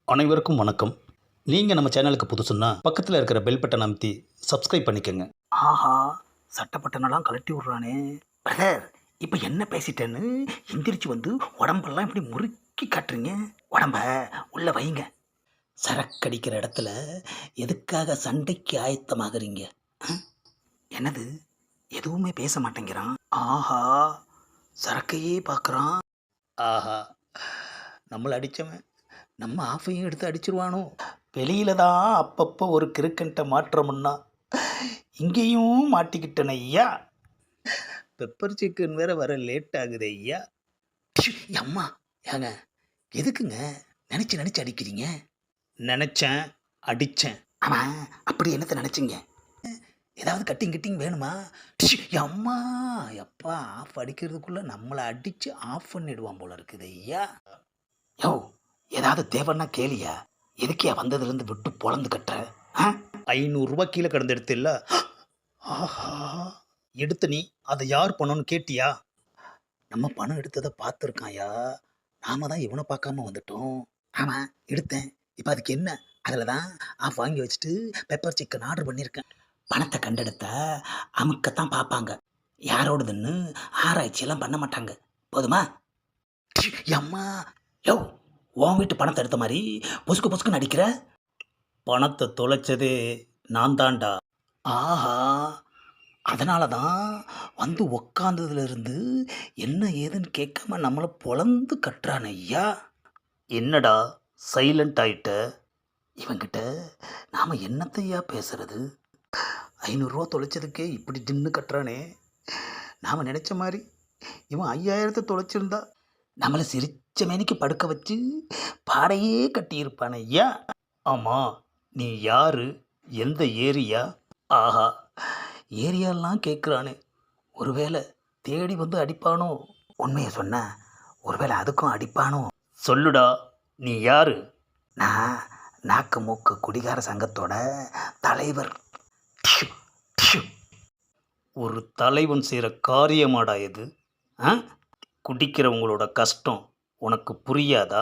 அனைவருக்கும் வணக்கம். நீங்கள் நம்ம சேனலுக்கு புதுசுன்னா பக்கத்தில் இருக்கிற பெல் பட்டன் அமைத்தி சப்ஸ்கிரைப் பண்ணிக்கோங்க. ஆஹா, சட்டப்பட்டனெல்லாம் கழட்டி விட்றானே. பிரதர், இப்போ என்ன பேசிட்டேன்னு எந்திரிச்சு வந்து உடம்பெல்லாம் இப்படி முறுக்கி காட்டுறீங்க. உடம்ப உள்ள வைங்க. சரக்கடிக்கிற இடத்துல எதுக்காக சண்டைக்கு ஆயத்தமாகறீங்க? என்னது, எதுவுமே பேச மாட்டேங்கிறான். ஆஹா, சரக்கையே பார்க்குறான். ஆஹா, நம்மளை அடித்தவன் நம்ம ஆஃபையும் எடுத்து அடிச்சிருவானோ. வெளியில தான் அப்பப்போ ஒரு கிறுக்கன்ட்ட மாற்றமுன்னா இங்கேயும் மாட்டிக்கிட்டன ஐயா. பெப்பர் சிக்கன் வேற வர லேட் ஆகுது ஐயா. அம்மா, ஏங்க எதுக்குங்க நினச்சி நினச்சி அடிக்கிறீங்க? நினச்சேன், அடித்தேன். ஆமாம், அப்படி என்னத்தை நினச்சிங்க? ஏதாவது கட்டிங் கிட்டிங் வேணுமா? அம்மா எப்பா ஆஃப் அடிக்கிறதுக்குள்ளே நம்மளை அடித்து ஆஃப் பண்ணிடுவான் போல இருக்குது ஐயா. யோ, ஏதாவது தேவைன்னா கேளியா? எதுக்கியா வந்ததுலேருந்து விட்டு பொழந்து கட்டுற? 500 கீழே கடந்து எடுத்து இல்லை. ஆஹா, எடுத்து நீ அதை யார் பண்ணணும்னு கேட்டியா? நம்ம பணம் எடுத்ததை பார்த்துருக்காயா? நாம தான் இவனை பார்க்காம வந்துட்டோம். ஆமாம், எடுத்தேன். இப்போ அதுக்கு என்ன? அதில் தான் ஆஃப் வாங்கி வச்சுட்டு பெப்பர் சிக்கன் ஆர்டர் பண்ணியிருக்கேன். பணத்தை கண்டெடுத்தா அமுக்கத்தான் பார்ப்பாங்க. யாரோடதுன்னு ஆராய்ச்சியெல்லாம் பண்ண மாட்டாங்க. போதுமா? அம்மா, யோ, உன் வீட்டு பணத்தை எடுத்த மாதிரி பொசுக்கு பொசுக்குன்னு அடிக்கிற. பணத்தை தொலைச்சதே நான் தான்டா. ஆஹா, அதனால தான் வந்து உக்காந்ததுலேருந்து என்ன ஏதுன்னு கேட்காம நம்மளை பொழந்து கட்டுறான் ஐயா. என்னடா சைலண்ட் ஆயிட்ட? இவன்கிட்ட நாம் என்னத்தையா பேசுறது? 500 தொலைச்சதுக்கே இப்படி தின்னு கட்டுறானே. நாம் நினச்ச மாதிரி இவன் 5000 தொலைச்சிருந்தா நம்மளை சிரிச்ச மேனிக்கு படுக்க வச்சு பாடையே கட்டியிருப்பான் ஐயா. ஆமாம், நீ யாரு, எந்த ஏரியா? ஆஹா, ஏரியாலாம் கேட்குறானே. ஒருவேளை தேடி வந்து அடிப்பானோ? உண்மையை சொன்ன ஒருவேளை அதுக்கும் அடிப்பானோ? சொல்லுடா, நீ யாரு? நான் நாக்கு மூக்கு குடிகார சங்கத்தோட தலைவர். டிஷு, டிஷு. ஒரு தலைவன் செய்கிற காரியமாடா இது? ஆ, குடிக்கிறவங்களோட கஷ்டம் உனக்கு புரியாதா?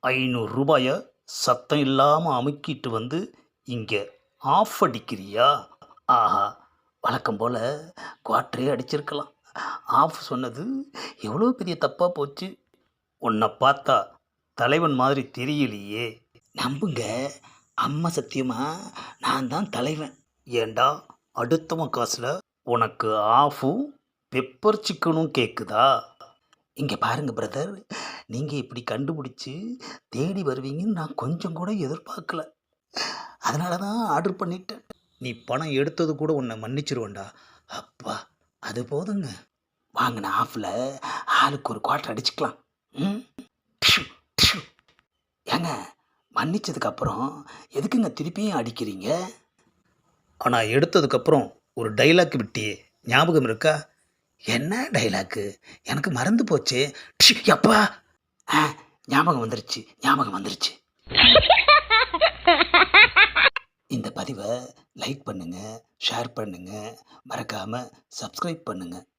500 சத்தம் இல்லாமல் அமுக்கிட்டு வந்து இங்கே ஆஃப் அடிக்கிறியா? ஆஹா, வழக்கம் போல் குவாட்டரே அடிச்சிருக்கலாம். ஆஃப் சொன்னது எவ்வளோ பெரிய தப்பாக போச்சு. உன்னை பார்த்தா தலைவன் மாதிரி தெரியலையே. நம்புங்க, அம்மா சத்தியமா நான் தான் தலைவன். ஏண்டா அடுத்தவன் காசில் உனக்கு ஆஃபும் பெப்பர் சிக்கனும் கேட்குதா? இங்கே பாருங்க பிரதர், நீங்கள் இப்படி கண்டுபிடிச்சி தேடி வருவீங்கன்னு நான் கொஞ்சம் கூட எதிர்பார்க்கல. அதனால தான் ஆர்டர் பண்ணிட்டேன். நீ பணம் எடுத்தது கூட உன்னை மன்னிச்சிருவேண்டா. அப்பா, அது போதுங்க. வாங்கின ஆஃபில் ஆளுக்கு ஒரு குவார்ட்டர் அடிச்சுக்கலாம். ம், டிஷு, டிஷு. ஏங்க, மன்னிச்சதுக்கப்புறம் எதுக்குங்க திருப்பியும் அடிக்கிறீங்க? ஆனால் எடுத்ததுக்கப்புறம் ஒரு டைலாக் விட்டியே, ஞாபகம் இருக்கா? என்ன டைலாக்கு? எனக்கு மறந்து போச்சு. அப்பா, ஞாபகம் வந்துருச்சு, ஞாபகம் வந்துருச்சு. இந்த பதிவை லைக் பண்ணுங்கள், ஷேர் பண்ணுங்கள், மறக்காமல் சப்ஸ்கிரைப் பண்ணுங்கள்.